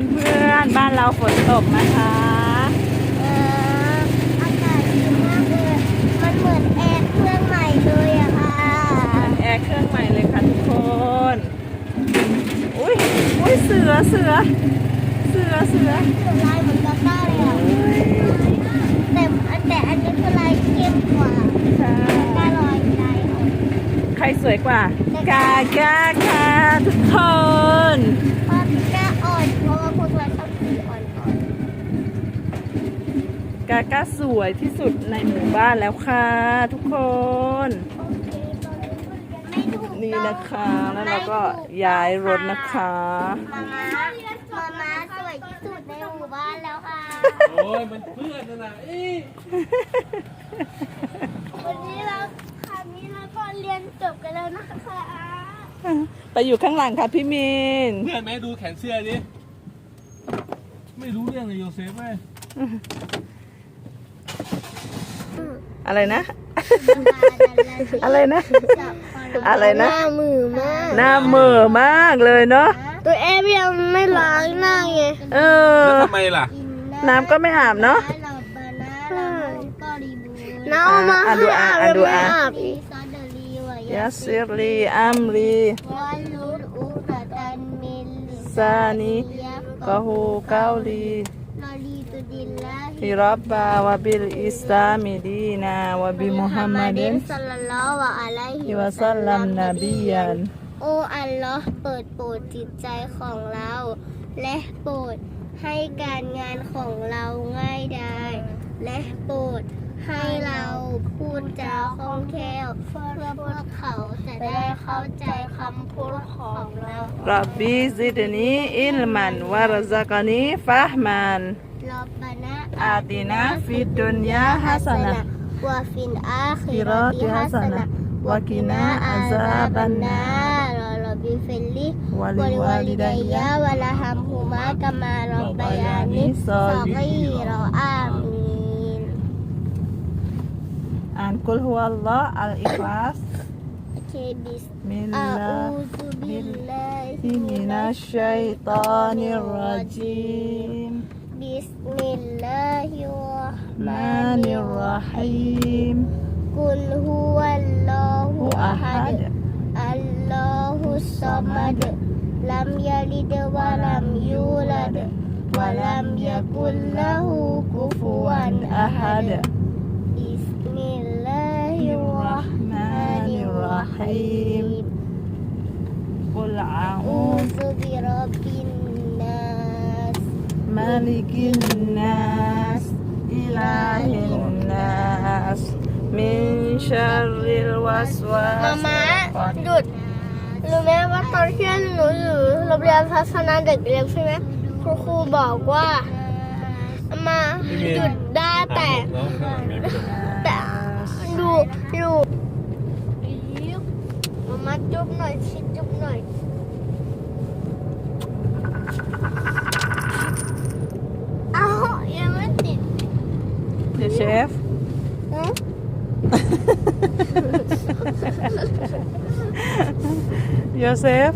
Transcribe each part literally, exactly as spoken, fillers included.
เพื่อนๆบ้านเราฝนตกนะคะเอออากาศดีมากเลยมันเหมือนแอร์เครื่องใหม่เลยอะค่ะแอร์เครื่องใหม่เลยค่ะทุกคนอุ้ยอุ้ยเสือเสือเสือเสือเสือลายเหมือนกาก้าเลยอะแต่แต่อันนี้คือลายเข้มกว่ากาลอยลายอ่อนใครสวยกว่ากากาค่ะทุกคนเพราะกาอ่อนเพราะว่าพวกเราชอบสีอ่อนๆกากาสวยที่สุดในหมู่บ้านแล้วค่ะทุกคนนี่นะคะแล้วเราก็ย้ายรถนะคะมาม้ามาม้าสวยที่สุดในหมู่บ้านแล้วค่ะโอ้ยมันเพื่อนนะอีวันนี้เราคราวนี้เราก็เรียนจบกันแล้วนะคะไปอยู่ข้างหลังค่ะพี่มินเพื่อนไหมดูแขนเสื้อดิไม่รู้เรื่องเลยโยเซฟไหมอะไรนะอะไรนะอะไรนะหน้ามือมากหน้าเหม่อมากเลยเนาะตัวเอฟยังไม่ล้างหน้าไงเออแล้วทำไมล่ะน้ำก็ไม่อาบเนาะน้ามาให้อาบแล้วไม่อาบอีกยาซิรีอัมรีซานีกะฮูเกาลีฮิรับบาวะบิลอิสลามิดีนาวะบิมุฮัมมัดศ็อลลัลลอฮุอะลัยฮิวะซัลลัมนบียันโอ้อัลลอฮ์เปิดโปรดจิตใจของเราและโปรดให้การงานของเราง่ายดายและโปรดให้เราพูดจาคล่องแคล่วเพื่อพวกเขาจะได้เข้าใจคำพูดของเรารับบีซิดนีอิลมันวะรซักนีฟะห์มันรับบานะอาตินาฟิดดุนยาฮัสนะวะฟินอาคิเราติฮัสนะวะกินาอาซาบันนารรับบิฟิลลิวะลิวาลิดัยยะวะละฮัมฮุมากะมารับบายานิศอกีรออามีนอ่านกุลฮุวัลลอฮ์อัลอิคลาสบิสมิลอาลาอูซุบิลลาฮิมินัชชัยฏอนิรเราะญีมบิสมิลลาฮิรเราะห์มานิรเราะฮีมกุลฮุวัลลอฮุอะฮัดอัลลอฮุศศอมัดลัมยะลิดวะลัมยูลัดวะลัมยะกุลละฮูกุฟุวันอะฮัดบิสมิลลาฮิรเราะห์มานิรเราะฮีมกุลอาอูอูซุบิร็อบบินนัสมาลิกินนัสอิลาฮินนัสมินชัรริลวัสวาสมาม่าหยุดรู้ไหมว่าตอนที่หนูอยู่โรงเรียนทัศนาเด็กเล็กใช่ไหมครูครูบอกว่ามาหยุดได้แต่แต่ดูดูมาม่าจุ๊บหน่อยชิดจุ๊บหน่อยอ้าวยังไม่ติดเดี๋ยวเชฟโยเซฟ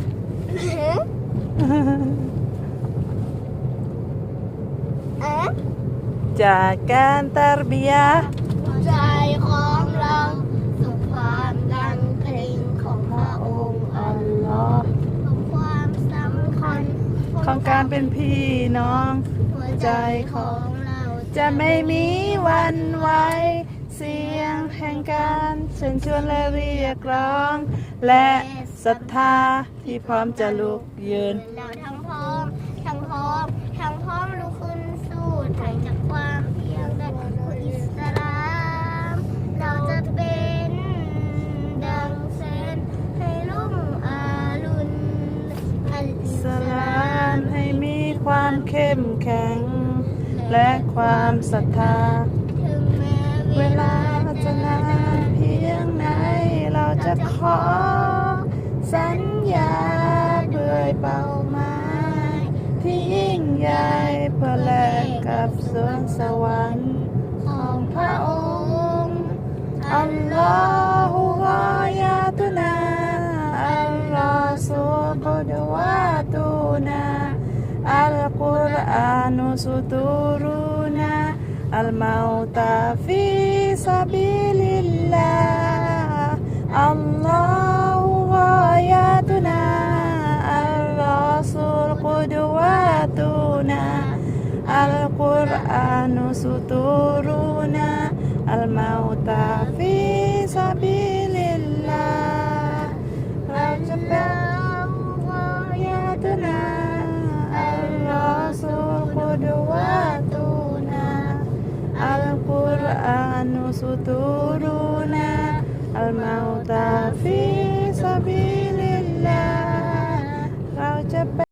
จากการตารบียะใจของเราสุขความดังเพลงของพระองค์อัลลอฮ์ความสำคัญของการเป็นพี่น้องหัวใจของเราจะไม่มีวันไหวเสียงแห่งการเชิญชวนและเรียกร้องและศรัทธาที่พร้อมจะลุกยืนเราทั้งพร้อมทั้งพร้อมทั้งพร้อมลุกขึ้นสู้ไถ่จากความเพียงและอิสลามเราจะเป็นดังแสงให้ลุ่มอารุณอัลอิสลามให้มีความเข้มแข็งและความศรัทธาเวลาจะนานเพียงไหนเราจะขอสัญญาด้วยเป้าหมายที่ยิ่งใหญ่เพื่อแลกกับสวงสวรรค์ของพระองค์อัลลอฮฺวะยาตุนาอัลลอฮฺสุกุดวะตุนาอัลกุรอานุสุตูรุนาอัลมาอุตาฟิซาบิลิลลาห์อัลลอฮุกอยาตุนาอัลรอซูลกุดวาตุนาอัลกุรอานุสุตูรุนาอัลมาอุตาฟิซาบิลิลลาห์เราจะเป็นวายาตุนาอัลลอซูลกุดวาตุนาอัลกุรอานุสุตูรุนาอัลมาอุตาฟิซาบิลิลลาห์เราจะเป็น